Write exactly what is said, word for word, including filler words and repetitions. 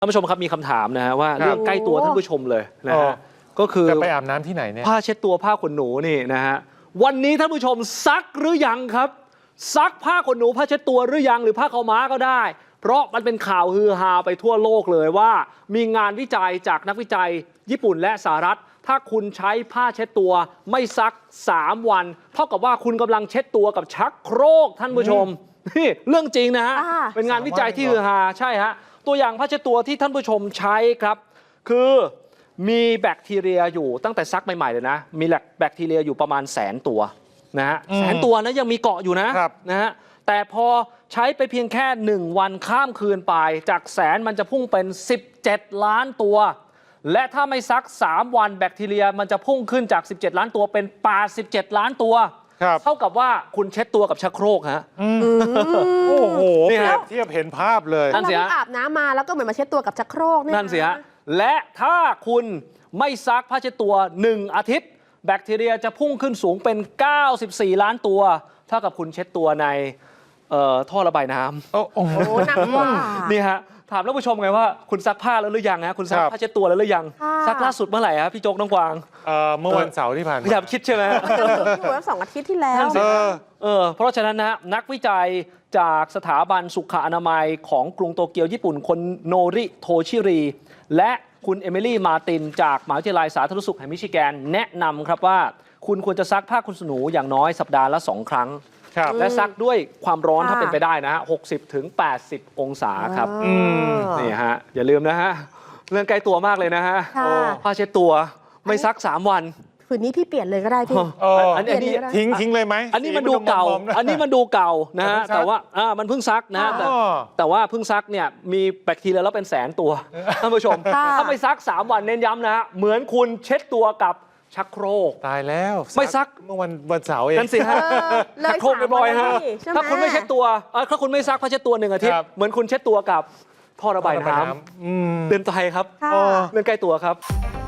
ท่านผู้ชมครับมีคำถามนะฮะว่าเรื่องใกล้ตัวท่านผู้ชมเลยนะฮะก็คือจะไปอาบน้ำที่ไหนเนี่ยผ้าเช็ดตัวผ้าขนหนูนี่นะฮะวันนี้ท่านผู้ชมซักหรือยังครับซักผ้าขนหนูผ้าเช็ดตัวหรือยังหรือผ้าขาวม้าก็ได้เพราะมันเป็นข่าวฮือฮาไปทั่วโลกเลยว่ามีงานวิจัยจากนักวิจัยญี่ปุ่นและสหรัฐถ้าคุณใช้ผ้าเช็ดตัวไม่ซักสามวันเท่ากับว่าคุณกำลังเช็ดตัวกับชักโครกท่านผู้ชมนี่เรื่องจริงนะฮะเป็นงานวิจัยที่ฮือฮาใช่ฮะตัวอย่างผ้าเช็ดตัวที่ท่านผู้ชมใช้ครับคือมีแบคทีเรียอยู่ตั้งแต่ซักใหม่ๆเลยนะมีแบคทีเรียอยู่ประมาณแสนตัวนะฮะแสนตัวนะยังมีเกาะอยู่นะนะฮะแต่พอใช้ไปเพียงแค่หนึ่งวันข้ามคืนไปจากแสนมันจะพุ่งเป็นสิบเจ็ดล้านตัวและถ้าไม่ซักสามวันแบคทีเรียมันจะพุ่งขึ้นจากสิบเจ็ดล้านตัวเป็นแปดสิบเจ็ดล้านตัวเท่ากับว่าคุณเช็ดตัวกับชักโครกฮะโอ้โหเปรียบเทียบเห็นภาพเลยนั่นสิฮะอาบน้ำมาแล้วก็เหมือนมาเช็ดตัวกับชักโครกนั่นสิฮะและถ้าคุณไม่ซักผ้าเช็ดตัวหนึ่งอาทิตย์แบคทีเรียจะพุ่งขึ้นสูงเป็นเก้าสิบสี่ล้านตัวเท่ากับคุณเช็ดตัวในท่อระบายน้ำโอ้โหหนักกว่านี่ฮะถามท่านผู้ชมไงว่าคุณซักผ้าแล้วหรือยังฮะคุณซักผ้าเช็ดตัวแล้วหรือยังซักล่าสุดเมื่อไหร่ฮะพี่โจ๊กน้องกวางเมื่อวันเสาร์ที่ผ่านมาพยายามคิดใช่ไหมอยู่แล้วสองอาทิตย์ที่แล้วเออเพราะฉะนั้นนะนักวิจัยจากสถาบันสุขอนามัยของกรุงโตเกียวญี่ปุ่นคนโนริโทชิรีและคุณเอมิลี่มาตินจากมหาวิทยาลัยสาธารณสุขแห่งมิชิแกนแนะนำครับว่าคุณควรจะซักผ้าขนหนูอย่างน้อยสัปดาห์ละสองครั้งและซักด้วยความร้อนถ้าเป็นไปได้นะฮะหกสิบถึงแปดสิบองศาครับนี่ฮะอย่าลืมนะฮะเรื่องใกล้ตัวมากเลยนะฮะผ้าเช็ดตัวไม่ซักสามวันคืนนี้พี่เปลี่ยนเลยก็ได้พี่อันนี้ทิ้งทิ้งเลยไหมอันนี้มันดูเก่าอันนี้มันดูเก่านะฮะแต่ว่าอ่ามันเพิ่งซักนะแต่แต่ว่าเพิ่งซักเนี่ยมีแบคทีเรียแล้วเป็นแสนตัวท่านผู้ชมถ้าไม่ซักสามวันเน้นย้ำนะฮะเหมือนคุณเช็ดตัวกับชักโครกตายแล้วไม่ซักเมื่อวันวันเสาร์เองนั่นสิฮะชักโครกบ่อยๆฮะถ้าคุณไม่เช็ดตัวถ้าคุณไม่ซักผ้าเช็ดตัวหนึ่งอาทิตย์เหมือนคุณเช็ดตัวกับท่อระบายน้ำเตือนใจครับเรื่องใกล้ตัวครับ